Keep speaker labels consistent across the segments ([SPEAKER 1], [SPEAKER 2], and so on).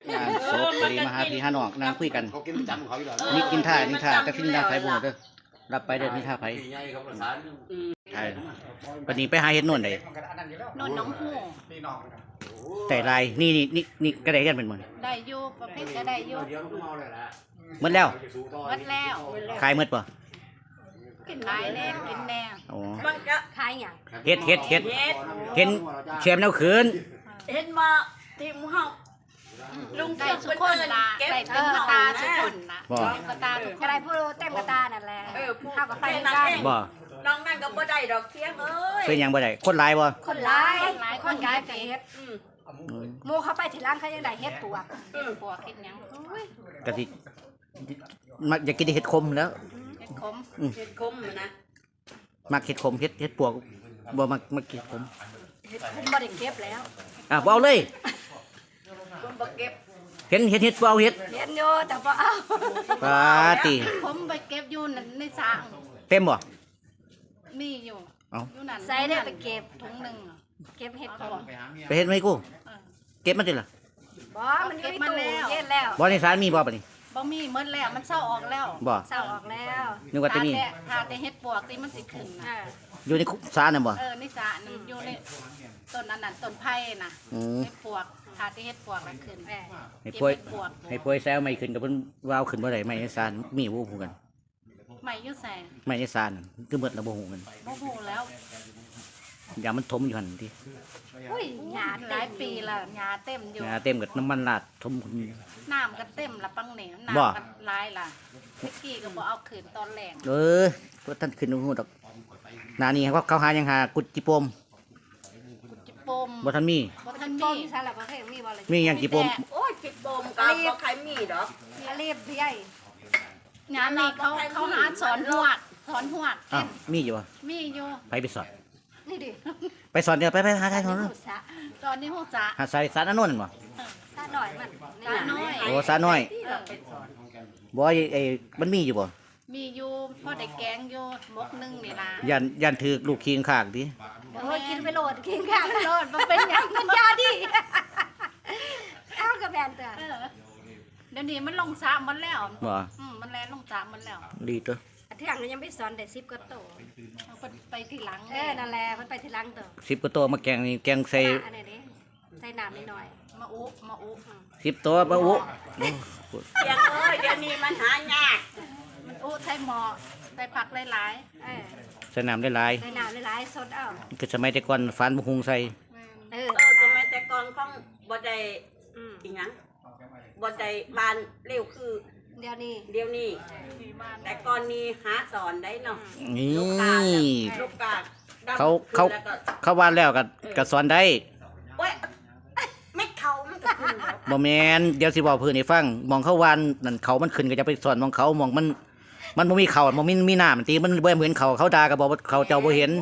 [SPEAKER 1] งานศพพอดีมาหาพี่หาน้องนั่งคุยกัน
[SPEAKER 2] เขากินประจำของเขาอยู่แล้ว
[SPEAKER 1] นี่กินท่าแต่กินท่าไผบ่เด้อรับไปเด้อนี่ท่าไผ
[SPEAKER 2] ใหญ่เขาประสาน
[SPEAKER 1] ใช่ปานนี้ไปหาเฮ็ดโน่นได้
[SPEAKER 3] นนน้องหู
[SPEAKER 1] แต่ลายนี่ก็ได้กันเป็นหมด
[SPEAKER 3] ได้อยู่ประเภทก็ได้อยู่
[SPEAKER 2] เดี๋ยวเขาเมาเลยละ
[SPEAKER 1] หมดแล้ว
[SPEAKER 3] หมดแล้ว
[SPEAKER 1] ขายหมดป่ะ
[SPEAKER 3] กินหลายแน่กินแน่
[SPEAKER 1] อ๋อ
[SPEAKER 4] มันก็ขายหยัง
[SPEAKER 1] เฮ็ดเห็นแชมป์แล้วคืน
[SPEAKER 4] เห็นมาทีมเฮาลุง
[SPEAKER 3] ได้
[SPEAKER 4] เก็บ
[SPEAKER 3] สุกคนละ
[SPEAKER 4] เก็บ
[SPEAKER 3] ได้
[SPEAKER 4] เป็
[SPEAKER 3] เต็
[SPEAKER 4] น
[SPEAKER 3] มกระ
[SPEAKER 4] ตา
[SPEAKER 3] ตา
[SPEAKER 4] สุ
[SPEAKER 3] สุก
[SPEAKER 4] ก
[SPEAKER 3] ค
[SPEAKER 4] คน
[SPEAKER 3] นละ
[SPEAKER 1] บ่
[SPEAKER 3] เต็มกระตาทุกค
[SPEAKER 5] ก็
[SPEAKER 3] น
[SPEAKER 5] ได้ผู้เต็มกระตานั่นแหละ
[SPEAKER 4] ผู้
[SPEAKER 5] เข้ากับไป
[SPEAKER 4] แค่
[SPEAKER 5] ได้
[SPEAKER 4] นั้นเอง
[SPEAKER 1] บ่
[SPEAKER 4] น้องนั่นก็บ่ได้ดอกเทียงเอ้ย
[SPEAKER 1] เป็นหยังบ่ได้คนหลายบ่
[SPEAKER 5] คนร้ายคนร้ายไปเฮ็ด
[SPEAKER 4] อืม
[SPEAKER 5] หมู่เขาไปที่ร้านเขายังได้เฮ็ดปวก
[SPEAKER 3] ปวกกินหยังโอ้ย
[SPEAKER 1] ก็สิมักอยากกินเห็ดขมแล้ว
[SPEAKER 3] เห็ดขม
[SPEAKER 4] เฮ็ดคมนะ
[SPEAKER 1] มักเห็ดขมเห็ดปวกบ่มักเห็ดขม
[SPEAKER 5] เฮ็ดคุมบ่ได้เก็บแล้ว
[SPEAKER 1] บ่เอาเลย
[SPEAKER 4] คนบ่เก็บ
[SPEAKER 1] เห็ดบ่เอาเห็ด
[SPEAKER 5] เฮ็ดอยู่แต่บ่เอา
[SPEAKER 1] ปาติ
[SPEAKER 3] ผมไปเก็บอยู่นั่นในสระ
[SPEAKER 1] เต็มบ่
[SPEAKER 3] มีอยู่
[SPEAKER 1] เอ้า
[SPEAKER 3] อยู่นั่น
[SPEAKER 5] ใส่ได้ไปเก็บ
[SPEAKER 3] ถุงหนึง
[SPEAKER 5] เก็บเฮ็ด
[SPEAKER 3] เอา
[SPEAKER 5] ของ
[SPEAKER 3] บ่
[SPEAKER 1] ไปเฮ็ดไหมกูเก็บมาติล่ะ
[SPEAKER 5] บ่มันมีตู้เฮ็ดแล้ว
[SPEAKER 1] บ่ในศาลมีบ่ปะนี่
[SPEAKER 3] บ่มีหมดแล้วมันเศร้าออกแล้ว
[SPEAKER 1] บ่
[SPEAKER 5] เศร้าออกแล้ว
[SPEAKER 1] นึกว่าจะมี
[SPEAKER 3] ถ้าแต่เฮ็ดปวกที่มันสิขึ้น
[SPEAKER 5] อ่า
[SPEAKER 3] นะ
[SPEAKER 1] อยู่ในศาลน่ะบ่
[SPEAKER 3] ในสระนั่นอยู่ในต้นนั้นน่ะต้นไผ่น่ะ
[SPEAKER 1] อืม
[SPEAKER 3] เฮ็ดปวกถ้าแต่เฮ็ดปวกแล้วขึ้น
[SPEAKER 5] แหม
[SPEAKER 1] ให้ป่วย
[SPEAKER 3] เก็บเฮ็ดปวก
[SPEAKER 1] ให้ป่วยแซวไม่ขึ้นกับเพิ่นว่าเอาขึ้นบ่ได้ไม่ในศาลมีบ่ฮู้กัน
[SPEAKER 3] ไม่อยู่แสง
[SPEAKER 1] ไม่ในศาลคือหมดแล้วบ่ฮู้กัน
[SPEAKER 3] บ่ฮู้แล้ว
[SPEAKER 1] อย่ามันถมอยู่หั่นติ
[SPEAKER 5] อุ้ยหยา
[SPEAKER 3] หลายปีละหญ้าเต็มอยู่
[SPEAKER 1] เต็มกับน้ำมันราดถม
[SPEAKER 3] น้ำก็เต็มละปังเหนียว
[SPEAKER 1] บ่
[SPEAKER 3] น้ำก็หลายละเมื่อกี้ก็บ่เอาขึ้นตอนแรง
[SPEAKER 1] พวกท่านขึ้นฮู้ดอกหน้านี้เขาหายังหากุดจิโปม
[SPEAKER 3] จิปม
[SPEAKER 1] บ่ทันมี
[SPEAKER 3] บ่ทัน
[SPEAKER 5] ต้
[SPEAKER 3] มี
[SPEAKER 5] มซะแล้วก็เฮ็ดมีบ่ล่ะ
[SPEAKER 1] มีหยังจิโปม
[SPEAKER 4] โอ้ยปิดโปมก็บ่ใครมีดอก
[SPEAKER 5] อาลีบใหญ่
[SPEAKER 3] งานนี้เขาหาสอนหวด
[SPEAKER 1] อ้าวมีอยู่บ่
[SPEAKER 3] มีอยู่
[SPEAKER 1] ไปสอน
[SPEAKER 5] นี่ดิ
[SPEAKER 1] ไปสอนเดี๋ยวไปหาใครสอน
[SPEAKER 5] หูสะ
[SPEAKER 3] ตอนนี้ฮู้จะ
[SPEAKER 1] หาสายสารอันนั้นบ่
[SPEAKER 5] สะหน่อยมัน
[SPEAKER 3] ตาน้อย
[SPEAKER 1] โอ้สารน้อย
[SPEAKER 3] เออ
[SPEAKER 1] บ่ไอ้มันมีอยู่บ่
[SPEAKER 3] มีอยู่พอได้แกงอยู่มกหนึงนี่ล่ะ
[SPEAKER 1] ยันถือลูกคิงข้างติ
[SPEAKER 5] โอ้ยกินไปโหลดกินข้าว
[SPEAKER 3] โลดบ่เป็นหยัง
[SPEAKER 5] มันยาดิเอากับแบนเถอะ
[SPEAKER 3] เออเดี๋ยวนี้มันลงสระหมดแล้ว
[SPEAKER 1] บ่
[SPEAKER 3] มันแลนลงสระหมดแล้ว
[SPEAKER 1] ดีตัว
[SPEAKER 5] เที่ยงยังไม่สอนได้10กว่าโต
[SPEAKER 3] เอาไปทีหลัง
[SPEAKER 5] นั่นแหละมันไปทีหลังโต
[SPEAKER 1] 10กว่าตัวมาแกงนี่แกงใส่
[SPEAKER 5] อันนี้ดิใส่น้ำนิดหน่อย
[SPEAKER 3] มาอุ
[SPEAKER 1] 10ตัวบ่อุ
[SPEAKER 4] เทียงเอ้ยเดี๋ยวนี้มันหายาก
[SPEAKER 3] มันอุใส่หม้อใส่ผักหลาย
[SPEAKER 5] เออ
[SPEAKER 1] ใส่น้ำได้หลาย
[SPEAKER 5] ใส่น้ำหลายๆสดเอา
[SPEAKER 1] คือสมัยแต่ก่อนฟานบ่หุงใส่
[SPEAKER 3] ๆ
[SPEAKER 5] เออ
[SPEAKER 4] ก็แม้แต่ก่อนของบ่ได้
[SPEAKER 5] อืม
[SPEAKER 4] อีหยังบ่ได้บานเร็วคือ
[SPEAKER 5] เดี๋ยวนี้
[SPEAKER 4] เดี๋ยวนี้
[SPEAKER 3] มีบ้าน
[SPEAKER 4] แต่ก่อนนี้หาสอนได้เนาะ
[SPEAKER 1] นี่
[SPEAKER 4] ลูกกาดำ
[SPEAKER 1] เขา
[SPEAKER 4] ขึ้นแล้วก็
[SPEAKER 1] เขาวาดแล้วก็สอนได้
[SPEAKER 4] โอ้ยไม่เขามันก็ขึ้นแล้ว
[SPEAKER 1] บ่แม่นเดี๋ยวสิบอกเพิ่นให้ฟังมองเขาวานนั่นเขามันขึ้นก็จะไปสอนมองเขามองมันบ่มีเขาบ่มีน้ำตีมันบ่เหมือนเขาด่าก็บอกว่าเขาเจ้าบ่เห็น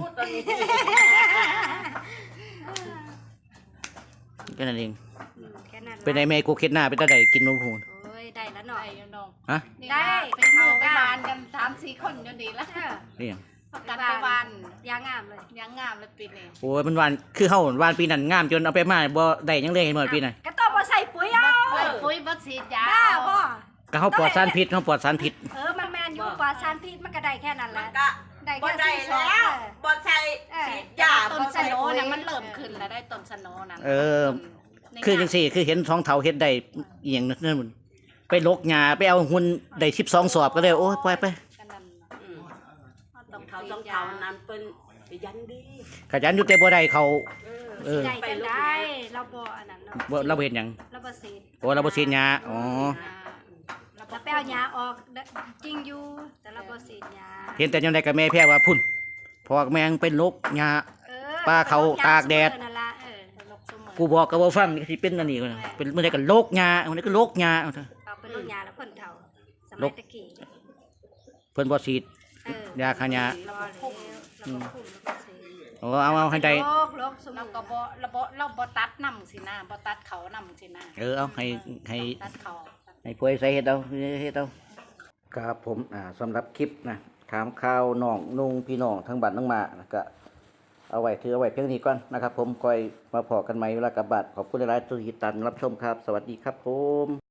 [SPEAKER 1] แค่นั้นเอง
[SPEAKER 5] แค่นั้น
[SPEAKER 1] เป็นไดแม่กูเค็ดหน้าเป็นตาใดกินนมพูน
[SPEAKER 5] โอ้ยได้แล้วหน่
[SPEAKER 3] ได้
[SPEAKER 5] อย
[SPEAKER 3] อยู่น้อง
[SPEAKER 1] ฮะ
[SPEAKER 3] นี่
[SPEAKER 5] ได้
[SPEAKER 3] ไปเข้าไปบ้านกัน3-4คนอยู่ดีแล้ว
[SPEAKER 5] เออ
[SPEAKER 1] นี่หยัง
[SPEAKER 3] ประกันไปบ้าน
[SPEAKER 5] ยางงามเลย
[SPEAKER 3] ยังงามเลยปีนี้
[SPEAKER 1] โอ้ยมันวานคือเฮาวานปีนั้นงามจนเอาไปมาบ่ได้หยังเลยเห็นบ่ปีนั้น
[SPEAKER 5] ก็ต้องมาใส่ปุ๋ยเอา
[SPEAKER 3] ใส่ปุ๋ยบ่ฉีดยา
[SPEAKER 5] บ้าบ่
[SPEAKER 1] ก็เฮาปลอดสารพิษเฮาปลอดสารพิษ
[SPEAKER 5] มันแมนอยู่ปลาซานพิษมันก็ได้แค่นั้นแห
[SPEAKER 4] มั
[SPEAKER 5] ละ
[SPEAKER 4] นก็
[SPEAKER 5] ได้
[SPEAKER 4] บ่
[SPEAKER 5] แค่
[SPEAKER 4] ได้
[SPEAKER 5] สี่สอง
[SPEAKER 4] แล้วบ่ใช่ฉีดยา
[SPEAKER 3] ต้
[SPEAKER 4] บ่
[SPEAKER 3] นส
[SPEAKER 4] ใช่
[SPEAKER 3] โน
[SPEAKER 4] ปุ๋ย
[SPEAKER 3] น่ะมันเริ่มขึ้นแล้วได้ต้นสโนนั่น
[SPEAKER 1] คือจังซี่คือเห็นท้องเฒ่าเฮ็ดได้อีหยังนั่นมันไปลกหญ้าไปเอาหุ่นได้12สอบก็เลยโอ้ยปล่อยไป
[SPEAKER 3] กันนั่นน่ะ
[SPEAKER 4] อืม
[SPEAKER 3] ต้อง
[SPEAKER 4] เขา
[SPEAKER 3] ฉี
[SPEAKER 4] ต้อ
[SPEAKER 3] ด
[SPEAKER 4] ง
[SPEAKER 3] ยา
[SPEAKER 4] เขานั้นเป็นไปยันดี
[SPEAKER 1] ขยันอยู่แต่บ่ได้เขา
[SPEAKER 4] เออ
[SPEAKER 5] ได้จังได้เราบ่อันนั้นเนาะ
[SPEAKER 1] บ่เราบ่เฮ็ดหยัง
[SPEAKER 5] เราบ่สีด
[SPEAKER 1] โอ้เราบ่ฉีดหญ้าอ๋อ
[SPEAKER 3] แล้ว
[SPEAKER 5] เราไปเอายาออกจริงอยู่แต่เราบ่สีดยา
[SPEAKER 1] เห็นแต่ยังไดก็แม่แพ้ว่าพุ่นพอกแม่งเป็นลกหญ้า
[SPEAKER 5] เออ
[SPEAKER 1] ป้าเขาตากแดด
[SPEAKER 5] นั่นล่ะ
[SPEAKER 3] ลกเสมอ
[SPEAKER 1] กูบอกก็บ่ฟังสิเป็นอันนี้ก็เป็นมื้อใดก็ลกหญ้ามื้อใดก็ลกหญ้าเอาเถอะ
[SPEAKER 5] เอาเป็นลูกยาแล้วเพิ่นเฒ่าสมัยตะกี้
[SPEAKER 1] เพิ่นบ่ฉีด ยาฆ่าหญ้า
[SPEAKER 5] เราก็คุ้มเราก็คุ้มเราก็สีด
[SPEAKER 1] โอ้เอาให้ได้
[SPEAKER 5] โรคสม
[SPEAKER 3] เรา
[SPEAKER 5] อง
[SPEAKER 3] ก็เราบ่ตัดน้ำสินะบ่ตัดเขาน้ำสินะ
[SPEAKER 1] เอาให้
[SPEAKER 3] ตัดเขา
[SPEAKER 1] ให้ป่วยใส่เฮ็ดเอาเฮ็ดเอาครับผมสำหรับคลิปนะถามข่าวน้องนุ่งพี่น้องทั้งบ้านทั้งหมานะก็เอาไว้ถือเอาไว้เพียงนี้ก่อนนะครับ ผมคอยมาพอกันใหม่เวลากลับบ้านขอบคุณหลายๆทุกท่านรับชมครับ สวัสดีครับผม